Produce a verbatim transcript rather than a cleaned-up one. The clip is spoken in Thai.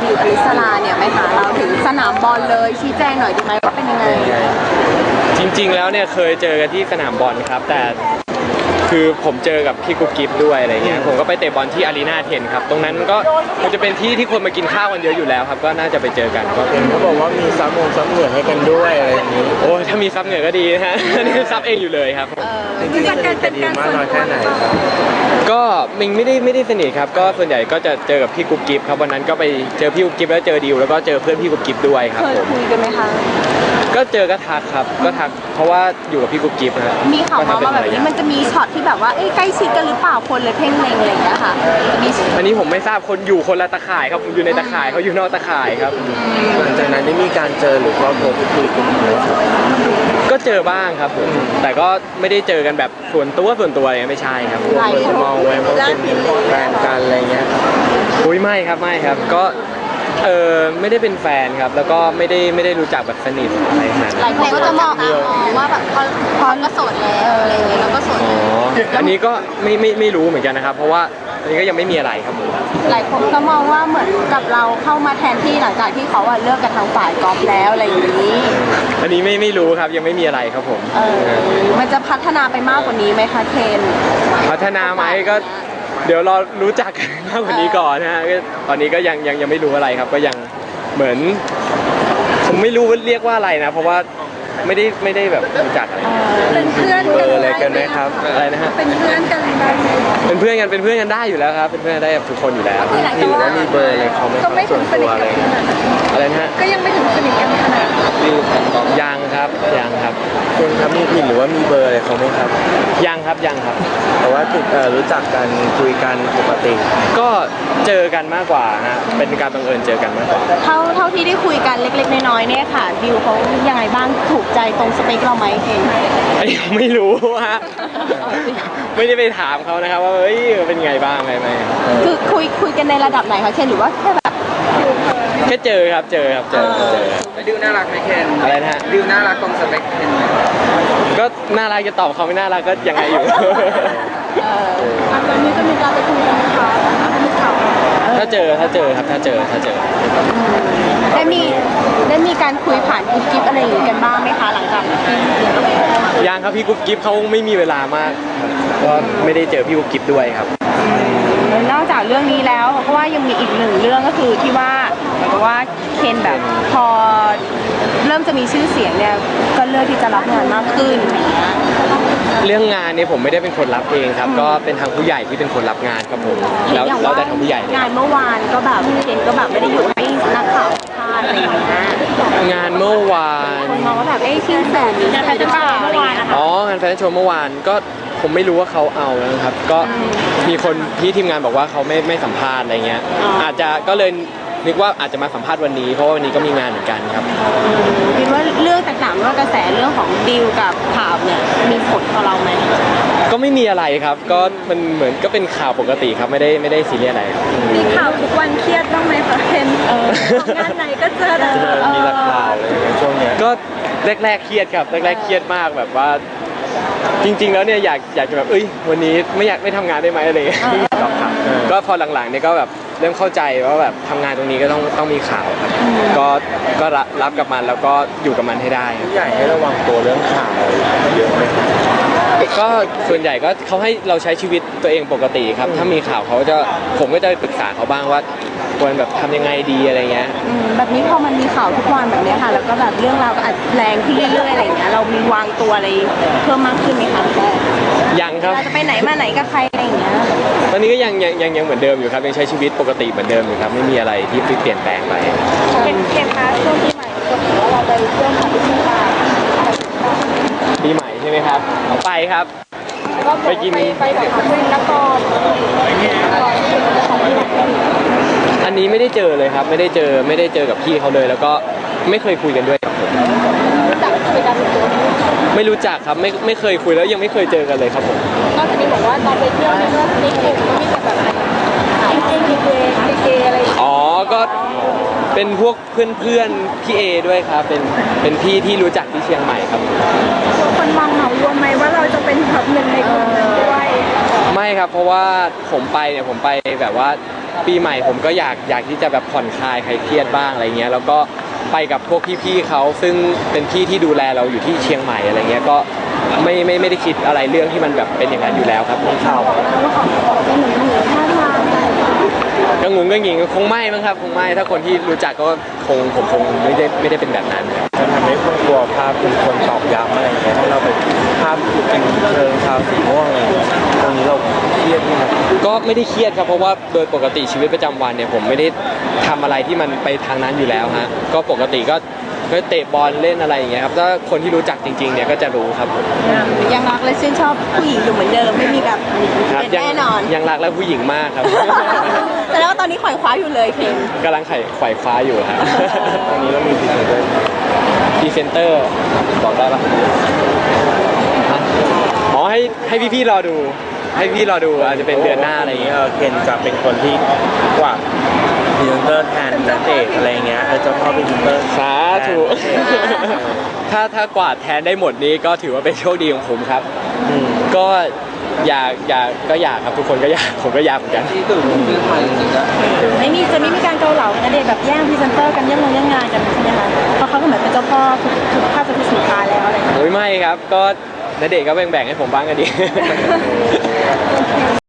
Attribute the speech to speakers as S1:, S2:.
S1: ดิวอลิสลาเนี่ยไปหาเราถึงสนามบอลเลยชี้แจงหน่อยดีไหมว่าเป็นยังไง
S2: จริงๆแล้วเนี่ยเคยเจอกันที่สนามบอลครับแต่คือผมเจอกับพี่กุ๊กกิ๊บด้วยอะไรเงี้ยผมก็ไปเตะบอลที่อารีนาเทนครับตรงนั้นก็มันจะเป็นที่ที่คนมากินข้าวกันเยอะอยู่แล้วครับก็น่าจะไปเจอกันก็
S3: เห็นเขาบอกว่ามีซับมงซับเหงื่อให้กันด้วยอะไรอย่างนี้
S2: โอ้ถ้ามีซับเหงื่อก็ดีนะฮะนี่ซับเองอยู่เลยครับ
S3: จริงๆสนิทกันดีมากน้อยแค่ไหนครับ
S2: ก็มิงไม่ได้ไม่ได้สนิทครับก็ส่วนใหญ่ก็จะเจอกับพี่กุ๊กกิ๊บครับวันนั้นก็ไปเจอพี่กุ๊กกิ๊บแล้วเจอดิวแล้วก็เจอเพื่อนพี่กุ๊กกิ๊บด้วยครับ
S1: เคยคุยกันไหมคะ
S2: ก็เจอก็ทักครับก็ทักเพราะว่าอยู่กับพี่กุ๊กกิ๊บนะ
S1: มีข่าวมาว่าแบบนี้มันจะมีช็อตที่แบบว่าใกล้ชิดกันหรือเปล่าคนเลยเพ่งเล็งอะไรอย่างเงี้ยค่ะมี
S2: อันนี้ผมไม่ทราบคนอยู่คนละตะข่ายครับผมอยู่ในตะข่ายเขาอยู่นอกตะข่ายครับ
S3: หลังจากนั้นได้มีการเจอหรือว่าโทรคุยกันไหมครับ
S2: ก็เจอบ้างครับผมแต่ก็ไม่ได้เจอกันแบบส่วนตัวส่วนตัวอะไรไม่ใช่ครับ
S3: หลายคนมองไว้ว่าเป็นแฟนกันอะไรเงี้ย
S2: อุ้ยไม่ครับไม่ครับก็เออไม่ได้เป็นแฟนครับแล้วก็ไม่ได้ไม่ได้รู้จักแบบสนิทอะไรขนาดนั้น
S1: หลายคนก็จะมองว่าแบบพอพอก็โสดแล้วอะไรอย่างเงี้ยแล้วก็โสด
S2: อ๋ออันนี้ก็ไม่ไม่ไม่รู้เหมือนกันนะครับเพราะว่าอันนี้ก็ยังไม่มีอะไรครับผม
S1: หลายคนก็มองว่าเหมือนกับเราเข้ามาแทนที่หลังจากที่เขาเลิกกันทางฝ่ายกอล์ฟแล้วอะไรอย่างนี้
S2: อันนี้ไม่ไม่รู้ครับยังไม่มีอะไรครับผม
S1: เออมันจะพัฒนาไปมากกว่านี้ไหมคะเคน
S2: พัฒนาไหมก็เดี๋ยวรอรู้จักกันมากกว่านี้ก่อนนะฮะตอนนี้ก็ยังยังยังไม่รู้อะไรครับก็ยังเหมือนผมไม่รู้ว่าเรียกว่าอะไรนะเพราะว่าไม่ได้ไม่ได้แบบรู้จักอะไร
S1: เป็นเพื่อน
S3: กันอะไรกันไหมครับ
S2: อะไรนะฮะ
S1: เป็นเพื่อนกันได้
S2: เป็นเพื่อนกันเป็นเพื่อนกันได้อยู่แล้วครับเป็นเพื่อนได้กับทุกคนอยู่แล้ว
S3: หรือว่ามีเบอร์อะไรเขาไม่
S1: ก็ไม่ถึงสนิทกัน
S2: อะไรนะฮะ
S1: ก็ยังไม่ถึงสนิทกันขนาด
S2: ยังครับยังครับ
S3: คุณครับมีพินหรือว่ามีเบอร์อะไรเขาไหมครับ
S2: ยังครับยังครับ
S3: แต่ว่าติดรู้จักกันคุยกันปกติ
S2: ก็เจอกันมากกว่าฮะเป็นการบังเอิญเจอกันมากกว่า
S1: เท่าเท่าที่ได้คุยกันเล็กๆน้อยๆเนี่ยค่ะดิวเขายังไงบ้างถูกใจตรงสเปคเราไหมเอง
S2: ไม่รู้ฮะไม่ได้ไปถามเขานะครับว่าเฮ้ยเป็นไงบ้างไงไหม
S1: คือคุยคุยกันในระดับไหนคะเคนหรือว่าแค่แบบ
S2: แค่เจอครับเจอครับเจอเจอ
S3: ดิวน่ารักไหมเคน
S2: อะไรนะฮะ
S3: ดิวน่ารักตรงสเปคเคน
S2: ก็น่ารักจะตอบเขาไม่น่ารักก็ยังไงอยู่
S1: ตอนนี้จะมีการไปคุยกันไหมคะ
S2: ถ้าเจอถ้าเจอครับถ้าเจอถ้าเจอ
S1: ได้มีได้มีการคุยผ่านกุ๊กกิ๊บอะไรอย่างนี้กันบ้างไหมคะหลังจากที่
S2: ยังครับพี่กุ๊กกิ๊บเขาไม่มีเวลามากก็ไม่ได้เจอพี่กุ๊กกิ๊บด้วยครับ
S1: นอกจากเรื่องนี้แล้วเพราะว่ายังมีอีกหนึ่งเรื่องก็คือที่ว่าเพราะว่าเคนแบบพอเริ่มจะมีชื่อเสียงเนี่ยก็เลือกที่จะรับงานมากขึ้น
S2: เรื่องงานเนี่ยผมไม่ได้เป็นคนรับเองครับก็เป็นทางผู้ใหญ่ที่เป็นคนรับงานครับผมแล้วแล้วแต่ทางผู้ใหญ่
S1: งานเมื่อวานก็แบบเคนก็แบบไม่ได้อยู่ให้นักข่าวพาดอะไรอย่างเงี้ย
S2: งานเมื่อวาน
S1: คนมองว่าแบบเอ้ยชื่อแสนงานแฟชั่นโชว์เมื่อวานนะคะ
S2: อ๋องานแฟชั่นโชว์เมื่อวานก็ผมไม่รู้ว่าเขาเอานะครับก็มีคนที่ทีมงานบอกว่าเขาไม่ไม่สัมภาษณ์อะไรเงี้ยอาจจะก็เลยนึกว่าอาจจะมาสัมภาษณ์วันนี้เพราะว่าวันนี้ก็มีงานเหมือนกันครับ
S1: คิดว่าเรื่องต่างๆไม่ว่ากระแสเรื่องของดิวกับข่าวเนี่ยมีผลต่อเราไหม
S2: ก็ไม่มีอะไรครับก็มันเหมือนก็เป็นข่าวปกติครับไม่ได้ไม่ได้ซีเรียสอะไร
S1: มีข่าวทุกวันเครียดบ้างไหมคะเคนงานไหนก็เจอแต่
S2: มีแต่ข่าวเลยช่วงนี้ก็แรกๆเครียดครับแรกๆเครียดมากแบบว่าจริงๆแล้วเนี่ยอยากอยากจะแบบเอ้ยวันนี้ไม่อยากไม่ทำงานได้ไหมอะไรก็พอหลังๆเนี่ยก็แบบเริ่มเข้าใจว่าแบบทำงานตรงนี้ก็ต้องต้องมีข่าวครับก็ก็รับกับมันแล้วก็อยู่กับมันให้ได้
S3: ผู้ใหญ่ให้ระวังตัวเรื่องข่าวเยอะไหม
S2: ก็ส่วนใหญ่ก็เขาให้เราใช้ชีวิตตัวเองปกติครับถ้ามีข่าวเขาจะผมก็จะปรึกษาเขาบ้างว่าควรแบบทำยังไงดีอะไรเงี้ย
S1: แบบนี้พอมันมีข่าวทุกวันแบบนี้ค่ะแล้วก็แบบเรื่องราวก็อาจแรงขึ้นเรื่อยๆอะไรอย่างเงี้ยเรามีวางตัวอะไรเพิ่มมากขึ้นไหมคะ
S2: ยังครับ
S1: เราจะไปไหนมาไหนกับใครอะไรอย่างเงี้ย
S2: ตอนนี้ก็ยังยังยังยังเหมือนเดิมอยู่ครับยังใช้ชีวิตปกติเหมือนเดิมอยู่ครับไม่มีอะไรที่เปลี่ยนแปลงไป
S1: เป็นเกมคะช่วงปีใหม่ก็ถือว่าเราไปเที่ยวของที่เชียงราย
S2: ปีใหม่ใช่ไหมครับเอาไปครับไปกิน
S1: ไปแบบคุยนักกอล์ฟ
S2: อันนี้ไม่ได้เจอเลยครับไม่ได้เจอไม่ได้เจอกับพี่เขาเลยแล้วก็ไม่เคยคุยกันด้วยกับผมไม่รู้จักครับไม่ไม่เคยคุยแล้วยังไม่เคยเจอกันเลยครับผม
S1: นอกจากนี้บอกว่าตอนไปเที่ยวนี่ก็ในกลุ่มก็มีแต่แบบขายเจดีเจดีเจอะไร
S2: อ๋อก็เป็นพวกเพื่อนเพื่อนพี่เอด้วยครับเป็นเป็นพี่ที่รู้จักที่เชียงใหม่ครับ
S1: คนมองเหมารวมไหมว่าเราจะเป็นแบบหนึ่งในกลุ่มนั้นด้วย
S2: ไม่ครับเพราะว่าผมไปเนี่ยผมไปแบบว่าปีใหม่ผมก็อยากอยากที่จะแบบผ่อนคลายคลายเครียดบ้างอะไรเงี้ยแล้วก็ไปกับพวกพี่ๆเขาซึ่งเป็นพี่ที่ดูแลเราอยู่ที่เชียงใหม่อะไรเงี้ยก็ไม่ไม่ไม่ได้คิดอะไรเรื่องที่มันแบบเป็นอย่างนั้นอยู่แล้วครับข่าวก็งงก็งิงคงไม่มั้งครับคงไม่ถ้าคนที่รู้จักก็คงผมคงไม่ได้ไม่ได้เป็นแบบนั้น
S3: มันทำให้คนกลัวภาพเป็นคนตอกย้ำอะไรอย่างเงี้ยให้เราไปภาพเป็นเชิงชาวสีม่วงอะไรอย่างเงี้ยตรงนี้เราเครียดไหมครับ
S2: ก็ไม่ได้เครียดครับเพราะว่าโดยปกติชีวิตประจำวันเนี่ยผมไม่ได้ทำอะไรที่มันไปทางนั้นอยู่แล้วฮะก็ปกติก็ก็เตะบอลเล่นอะไรอย่างเงี้ยครับถ้าคนที่รู้จักจริงๆเนี่ยก็จะรู้ครับผม
S1: ยังรักและชื่นชอบผู้หญิงอยู่เหมือนเดิมไม่มีแบบเป
S2: ครับ
S1: ลี่ยน
S2: ยัง
S1: แน่นอน
S2: ยังรักและผู้หญิงมากครับ
S1: แต่แล้วาตอนนี้ขวายคว้าอยู่เลยเคน
S2: กำลังไขไขว่คว้าอยู่ครับ
S3: ตอนนี้เรามีพรีเซนเตอร์
S2: พรีเซนเตอร์บอกได้ปะอ๋อให้ให้พี่ๆรอดู ให้พี่รอดูอาจจะเป็นเดือนหน้าอะไรอย่างเงี้ย
S3: เออเคนจะเป็นคนที่กว่าพรีเซนเตอร์แทนนักเตะอะไรเงี้ยเออเจ้าพ่อพรีเซนเตอร์
S2: สาธุ ถ้าถ้ากวาดแทนได้หมดนี้ก็ถือว่าเป็นโชคดีของผมครับ
S3: อืม
S2: ก็อยากอยากก็อยากครับทุกคนก็อยากผมก็อยากเหมือนกัน
S3: ที่ตื่นขึ้นมาจริงๆแล้ว
S1: ไม่มีจะไม่มีการเกาเหลาณเดชน์แบบแย่งพรีเซนเตอร์กันแย่งงานแย่งงานกันใช่ไหมคะเพราะเขาก็เหมือนเป็นเจ้าพ่อทุกทุกภาพจะทุกสุดท้ายแล้วอะไรอย่างเงี้ย
S2: โอ้ยไม่ครับ ก็ณเดชน์ก็แบ่งๆให้ผมบ้างก็ดี